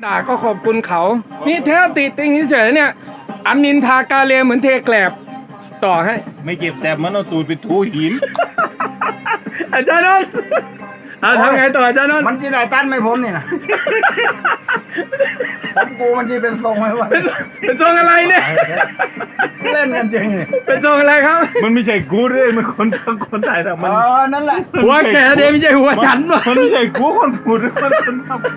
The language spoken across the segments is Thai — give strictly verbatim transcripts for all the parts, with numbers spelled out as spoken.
ด่าก็ขอบคุณเขานี่แท้ติติงเฉยๆเนี่ยอันนินทากาเลเหมือนเทแกลบต่อให้ไม่เจ็บแสบมันเอาตูดไปทูหินอาจารย์นนท์เอาทำไงต่ออาจารย์นนท์มันจะได้ตันไหมผมนี่นะผมกูมันจะเป็นทรงไหมวะเป็นทรงอะไรเนี่ยเล่นกันจริงนี่เป็นทรงอะไรครับมันไม่ใช่กูด้วยมันคนทั้งคนถ่ายแต่มันอ๋อนั่นแหละหัวแกเดไม่ใช่หัวฉันวะมันไม่ใช่กูคนพูดมันคนทำ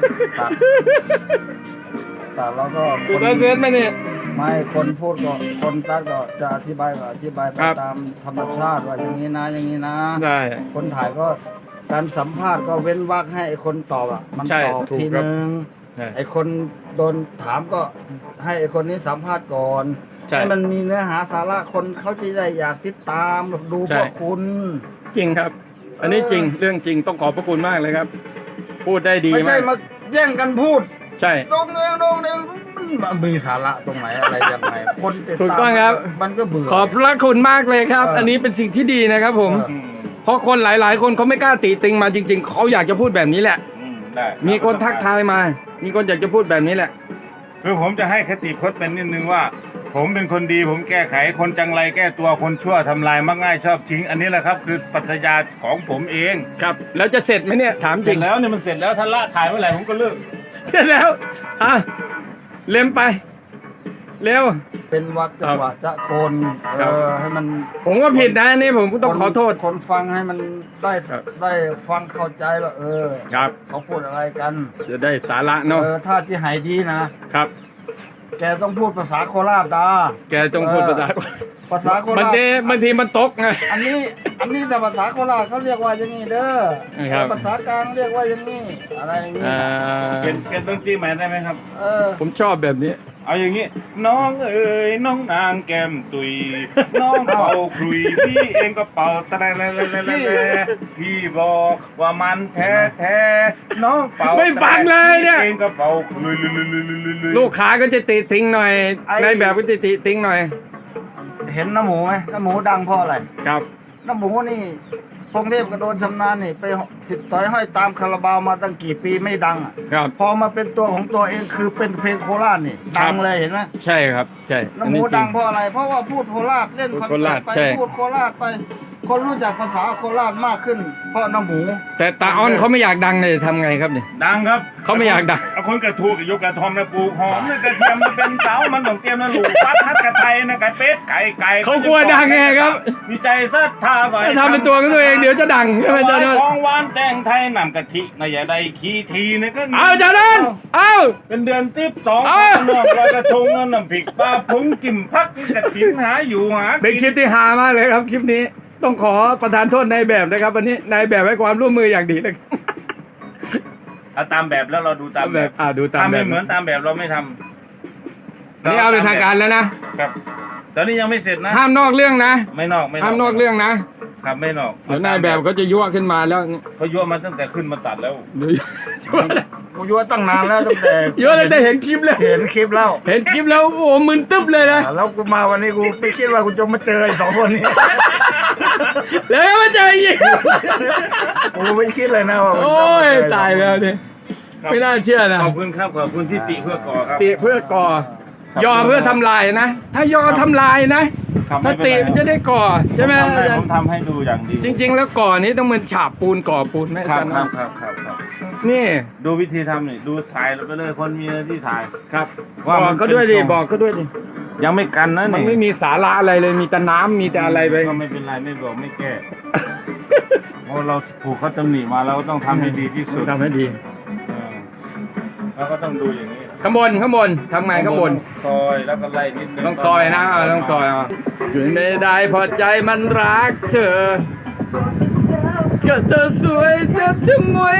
แต่เราก็กูได้เซนไหมเนี่ยไม่คนพูดก็คนตัดก็จะอธิบายก็อธิบายไปตามธรรมชาติว่าอย่างนี้นะอย่างนี้นะได้คนถ่ายก็การสัมภาษณ์ก็เว้นวรรคให้ไอ้คนตอบอ่ะมันตอบทีนึงไอ้คนโดนถามก็ให้ไอ้คนนี้สัมภาษณ์ก่อนให้มันมีเนื้อหาสาระคนเขาจะได้อยากติดตามดูพวกคุณจริงครับอันนี้จริงเรื่องจริงต้องขอบพระคุณมากเลยครับพูดได้ดีมากไม่ใช่มาแย่งกันพูดใช่ตรงเองตรงเองมันมีสาระตรงไหนอะไรยังไงคนติดตามถูกต้องครับมันก็เบื่อขอบพระคุณมากเลยครับ อันนี้เป็นสิ่งที่ดีนะครับผมเพราะคนหลายๆคนเขาไม่กล้าติติงมาจริงๆเขาอยากจะพูดแบบนี้แหละมีคนทักทายมามีคนอยากจะพูดแบบนี้แหละคือผมจะให้คติพจน์เป็นนิดนึงว่าผมเป็นคนดีผมแก้ไขคนจังไรแก้ตัวคนชั่วทำลายมักง่ายชอบทิ้งอันนี้แหละครับคือปรัชญาของผมเองครับแล้วจะเสร็จไหมเนี่ยถามจริงแล้วเนี่ยมันเสร็จแล้วถ้าละถ่ายเมื่อไหร่ผมก็เลิกเสร็จแล้วอ่ะเล็มไปเร็วเป็นวักจังหวะจะโกนเออให้มันผมก็ผิดนะนี่ผมต้องขอโทษคนฟังให้มันได้ได้ฟังเข้าใจว่าเออครับเขาพูดอะไรกันจะได้สาระเนาะเออถ้าที่หายดีนะครับแกต้องพูดภาษาโคราชดาแกต้องพูดภาษาภาษาโคราชบางทีบางทีมันตกไงอันนี้อันนี้แต่ภาษาโคราชเขาเรียกว่าอย่างนี้เด้อภาษากลางเรียกว่าอย่างนี้อะไรอย่างนี้เกณฑ์เกณฑ์ต้องตีใหม่ได้ไหมครับเออผมชอบแบบนี้เอาอย่างนี้น้องเอ๋ยน้องนางแก้มตุยน้องเป่าคลุยพี่เองก็เป่าตะแลพี่บอกว่ามันแท้แท้น้องเป่าไม่ฟังเลยเนี่ยเองก็เป่าคลุยลูกค้าก็จะติทิ้งหน่อยในแบบก็จะติทิ้งหน่อยเห็นน้ำหมูไหมน้ำหมูดังเพราะอะไรครับน้ำหมูนี่พงเทพกระโดนชำนาญนี่ไปสิทธิ์ต่อยห้อยตามคาราบาวมาตั้งกี่ปีไม่ดังอ่ะพอมาเป็นตัวของตัวเองคือเป็นเพลงโคราชนี่ดังเลยเห็นไหมใช่ครับใช่น้ำหมูดังเพราะอะไรเพราะว่าพูดโคราชเล่นคอนเสิร์ตไปพูดโคราชไปคนรู้จักภาษาโคราชมากขึ้นเพราะน้ำหมูแต่ตาอ้อนเขาไม่อยากดังเลยทำไงครับเนี่ยดังครับเขาไม่อยากดังเอาคนกระทูกับยกกระทอมนะปลูกหอมนะกระเทียมนะเป็นเต้ามันต้องเตรียมนะลูกปัดทัดกระไทยนะไก่เป็ดไก่ไก่เขากลัวดังไงครับมีใจศรัทธาไว้ทำเป็นตัวของตัวเองเดี๋ยวจะดังใช่ไหมอาจารย์นนท์ของหวานแตงไทยนำกะทินะอย่าได้ขี้ทีนะก็เอาอาจารย์นนท์เอาเป็นเดือนติ๊บสองนอกลอยกระทงน้ำพริกปลาพุงกิ่มพักกระถินหาอยู่หาเป็นคลิปที่ฮามากเลยครับคลิปนี้ต้องขอประทานโทษนายแบบนะครับวันนี้นายแบบให้ความร่วมมืออย่างดีเลยเอาตามแบบแล้วเราดูตามแบบอ่าดูตามแบบไม่เหมือนตามแบบเราไม่ทำอันนี้เอาเป็นทางการแล้วนะครับตอนนี้ยังไม่เสร็จนะห้ามนอกเรื่องนะไม่นอกไม่ห้ามนอกเรื่องนะครับไม่นอกเดี๋ยวนายแบบเขาจะยั่วขึ้นมาแล้วเขายั่วมาตั้งแต่ขึ้นมาตัดแล้วยั่วกูยั่วตั้งนานแล้วตั้งแต่ยั่วตั้งแต่เห็นคลิปแล้วเห็นคลิปแล้วเห็นคลิปแล้วโอ้มึนตึ๊บเลยนะแล้วกูมาวันนี้กูไม่คิดว่ากูจะมาเจอไอ้สองคนนี้แล้วมาเจออีกกูไม่คิดเลยนะว่าโอ้ยตายแล้วนี่ไม่น่าเชื่อนะขอบคุณครับขอบคุณที่ติเพื่อก่อครับติเพื่อก่อยอเพื่อทำลายนะถ้ายอทำลายนะถ้าติมันจะได้ก่อใช่ไหมผมทำให้ดูอย่างดีจริงๆแล้วก่อนี้ต้องเหมือนฉาบปูนก่อปูนไหมครับครับครับครับครับนี่ดูวิธีทำนี่ดูถ่ายไปเลยคนมีที่ถ่ายครับบอกเขาด้วยดิบอกเขาด้วยดิยังไม่กันนะมันไม่มีสาระอะไรเลยมีแต่น้ำมีแต่อะไรไปก็ไม่เป็นไรไม่บอกไม่แก้เพราะเราผูกเขาตำหนิมาเราก็ต้องทำให้ดีที่สุดทำให้ดีเราก็ต้องดูอย่างนี้ข้างบนข้างบนทำไงข้างบนซอยแล้วก็ไล่นิดนึงต้องซอยนะต้องซอยอ่ะถึงไม่ได้พอใจมันรักเธอก็เธอสวยเธอจะมวย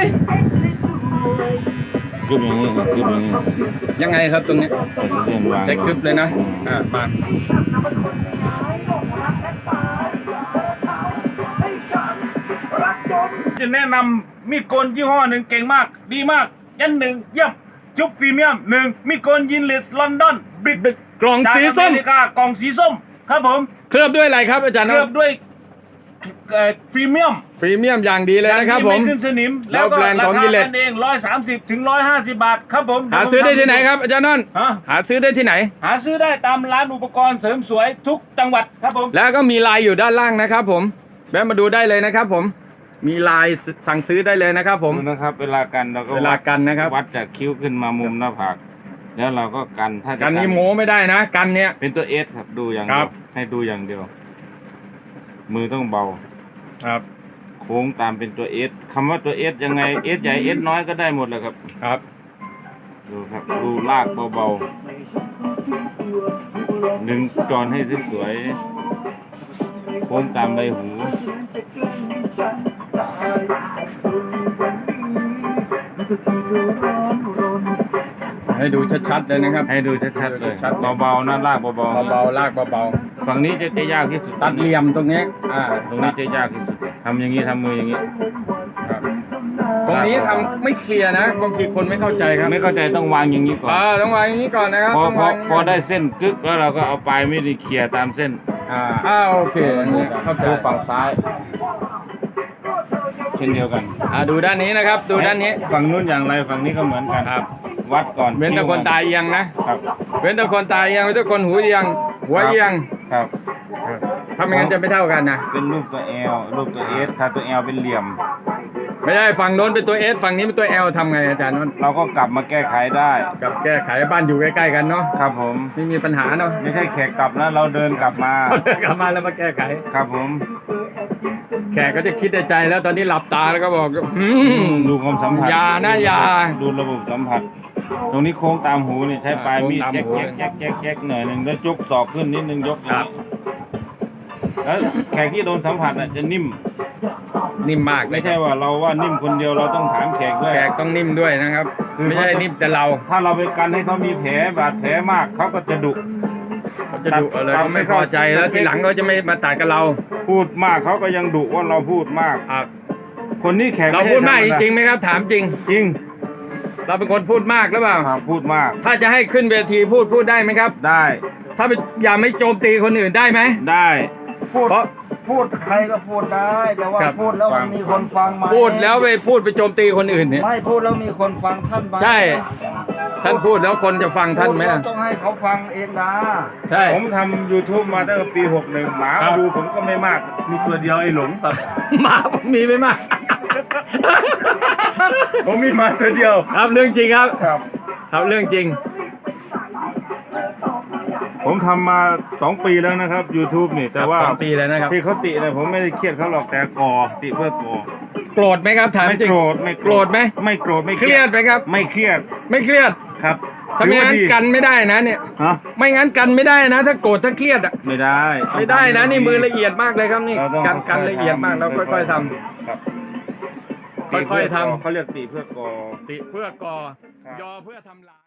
กึบอย่างนี้กึบอย่างนี้ยังไงครับตรงนี้ใช้กึบเลยนะอ่ามาจะแนะนำมีดโกนยี่ห้อหนึ่งเก่งมากดีมากยันหนึ่งเยี่ยมจุ๊บฟรีเมียมหนึ่งมีดโกนยินเลสลอนดอนบริกกล่องสีส้มกล่องสีส้มครับผมเคลือบด้วยอะไรครับอาจารย์เคลือบด้วยพรีเมียมฟรีเมียมอย่างดีเลยนะครับผมไม่ขึ้นสนิมแล้วแล้วก็แบรนด์ราของคา Gillette กันเองร้อยสามสิบถึงร้อยห้าสิบบาทครับผมหาซื้อได้ที่ไหนครับอาจารย์นนท์ฮะหาซื้อได้ที่ไหนหาซื้อได้ตามร้านอุปกรณ์เสริมสวยทุกจังหวัดครับผมแล้วก็มีไลน์อยู่ด้านล่างนะครับผมแวะมาดูได้เลยนะครับผมมีไลน์สั่งซื้อได้เลยนะครับผมดูนะครับ เวลากันเราก็เวลากันนะครับวัดจากคิ้วขึ้นมามุมหน้าผากแล้วเราก็กันถ้าจะกันนี้โม้ไม่ได้นะกันเนี้ยเป็นตัวเอสครับดูอย่างคเดีรัยบวให้ดูอย่างเดียว มือต้องเบาครับโค้งตามเป็นตัวเอสคำว่าตัวเอสยังไงเอสใหญ่เอสน้อยก็ได้หมดแหละครับครับดูครับดูลากเบาๆดึงจอนให้สวยๆโค้งตามใบหูให้ดูชัดๆเลยนะครับให้ดูชัดๆเลยชัดๆเบาๆนะลากเบาๆนะเบาๆลากเบาฝั่งนี้จะจะยากที่สุดๆตัดเหลี่ยมตรงนี้อ่าตรงนี้จะยากที่สุดทำอย่างนี้ทำมืออย่างนี้ครับตรงนี้ทำไม่เคลียร์นะบางทีคนไม่เข้าใจครับไม่เข้าใจต้องวางอย่างนี้ก่อนอ่าต้องวางอย่างนี้ก่อนนะครับพอต้องพอวางพอได้เส้นกึกแล้วเราก็เอาปลายไม่ได้เคลียร์ตามเส้นอ่าอ่าโอเคอันนี้เข้าใจดูฝั่งซ้าย เช่นเดียวกันอ่าดูด้านนี้นะครับ ดูด้านนี้ฝั่งนู้นอย่างไรฝั่งนี้ก็เหมือนกันครับวัดก่อนเว้นแต่คนตาเอียงนะครับเว้นแต่คนตาเอียงเว้นแต่คนหูเอียงหัวเอียงครับถ้าไม่งั้นจะไม่เท่ากันนะเป็นรูปตัว L รูปตัว S ถ้าตัว L เป็นเหลี่ยมไม่ใช่ฝั่งโน้นเป็นตัว S ฝั่งนี้เป็นตัว L ทำไงอาจารย์นนท์เราก็กลับมาแก้ไขได้กับแก้ไขบ้านอยู่ใกล้ๆกันเนาะครับผมไม่มีปัญหาเนาะไม่ใช่แขกกลับนะเราเดินกลับมาเราเดินกลับมาแล้วมาแก้ไขครับผมแขกก็จะคิดในใจแล้วตอนนี้หลับตาแล้วก็บอกอืมดูความสัมผัสอย่านะอย่าดูระบบสัมผัส ตรงนี้โค้งตามหูนี่ใช้ปลายมีดโค้งตามแจ๊กหูแจ๊กแจ๊กแจ๊กแจ๊กหน่อยหนึ่งแล้วยกศอกขึ้นนิดนึงยกอย่างครับนี้แล้วแขกที่โดนสัมผัสอ่ะจะนิ่มนิ่มมากไม่ใช่ว่าเราว่านิ่มคนเดียวเราต้องถามแขกด้วยแขกต้องนิ่มด้วยนะครับคือไม่ใช่นิ่มแต่เราถ้าเราไปกันให้เขามีแผลบาดแผลมากเขาก็จะดุเขาจะดุอะไรตัดเขาไม่พอใจแล้วทีหลังเขาจะไม่มาตัดกับเราพูดมากเขาก็ยังดุว่าเราพูดมากอ่ะคนนี้แขกเราไใช่พูดมากธจรรดริงๆไหมครับถามจริงจริงเราเป็นคนพูดมากหรือเปล่าครับพูดมากถ้าจะให้ขึ้นเวทีพูดพูดได้ไหมครับได้ถ้าไปอย่าไม่โจมตีคนอื่นได้ไหมได้พูดเพราะพูดใครก็พูดได้แต่ว่าครับพูดแล้วมันมีคนฟังไหมพูดแล้วไปพูดไปโจมตีคนอื่นเนี่ยไม่พูดแล้วมีคนฟังท่านไหมใช่ ท่านพูดแล้วคนจะฟังท่านไหมพูดล่ะแล้วต้องให้เขาฟังเองนะใช่ผมทำ YouTube มาตั้งแต่ปีหกหนึ่งหมาครับดูผมก็ไม่มาก มีตัวเดียวไอ้หลงตัดหมาผมมีไหมมากผมมีมาตัวเดียวครับเรื่องจริงครับครับครับเรื่องจริงผมทำมาสองปีแล้วนะครับ YouTube นี่แต่ว่าสองปีแล้วนะครับที่เขาติเนี่ยผมไม่ได้เครียดเขาหรอกแต่ก่อติเพื่อก่อโกรธไหมครับถามไม่จริงโกรธไม่โกรธไหมไม่โกรธไม่เครียดไหมครับไม่เครียดไม่เครียดครับถ้าไม่งั้นถือว่าดีกันไม่ได้นะเนี่ยฮะไม่งั้นกันไม่ได้นะ ถ้าโกรธถ้าเครียดอ่ะไม่ได้ไม่ได้นะนี่มือละเอียดมากเลยครับนี่เราต้องกันกันค่ๆละเอียดมากเราค่อยๆทครับค่อยๆทำเขาเรียกติเพื่อก่อำติเพื่อก่อครับยอเพื่อทำลาย